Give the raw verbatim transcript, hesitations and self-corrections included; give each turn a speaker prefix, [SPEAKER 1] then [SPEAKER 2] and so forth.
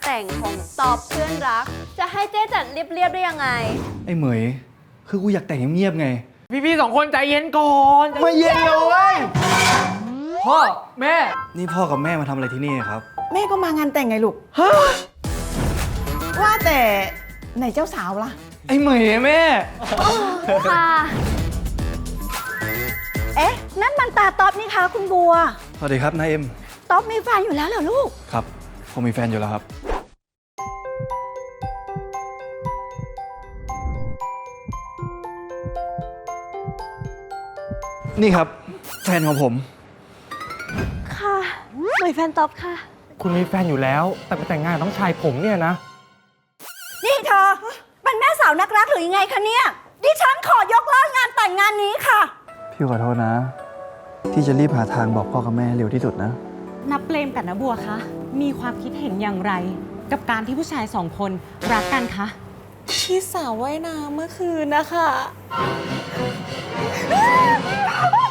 [SPEAKER 1] แต่งของตอบเพื่อนรัก จะให้เจ๊จัดเรียบๆได้ยังไง
[SPEAKER 2] ไอ้เหมยคือกูอยากแต่งเงียบๆไง
[SPEAKER 3] พี่ๆสองคนใจเย็นก่อน
[SPEAKER 2] ไม่เย็นเลยเว้ย
[SPEAKER 3] พ่อแม่
[SPEAKER 2] นี่พ่อกับแม่มาทำอะไรที่นี่ครับ
[SPEAKER 4] แม่ก็มางานแต่งไงลูกว่าแต่ไหนเจ้าสาวล่ะ
[SPEAKER 2] ไอ้เหมยแม่
[SPEAKER 1] ค่ะ
[SPEAKER 4] เอ๊ะ นั่นมันตาต๊อบนี่คะคุณบัว
[SPEAKER 2] สวัสดีครับนายเอ็ม
[SPEAKER 4] ต๊อบมีแฟนอยู่แล้วเหรอลูก
[SPEAKER 2] ครับผมมีแฟนอยู่แล้วครับ นี่ครับแฟนของผม
[SPEAKER 1] ค่ะเหมยแฟนตอบค่ะ
[SPEAKER 3] คุณมีแฟนอยู่แล้ว แต่ไปแต่งงานต้องชายผมเนี่ยนะ
[SPEAKER 4] นี่เธอเป็นแม่สาวนักรักหรือยังไงคะเนี่ย ดิฉันขอยกเลิกงานแต่งงานนี้ค่ะ
[SPEAKER 2] พี่ขอโทษนะ ที่จะรีบหาทางบอกพ่อกับแม่เร็วที่สุดนะ
[SPEAKER 5] นับเปรมกับนบัวคะ มีความคิดเห็นอย่างไร กับการที่ผู้ชายสองคนรักกันคะ
[SPEAKER 6] ที่สาวว่ายน้ำเมื่อคืนนะคะ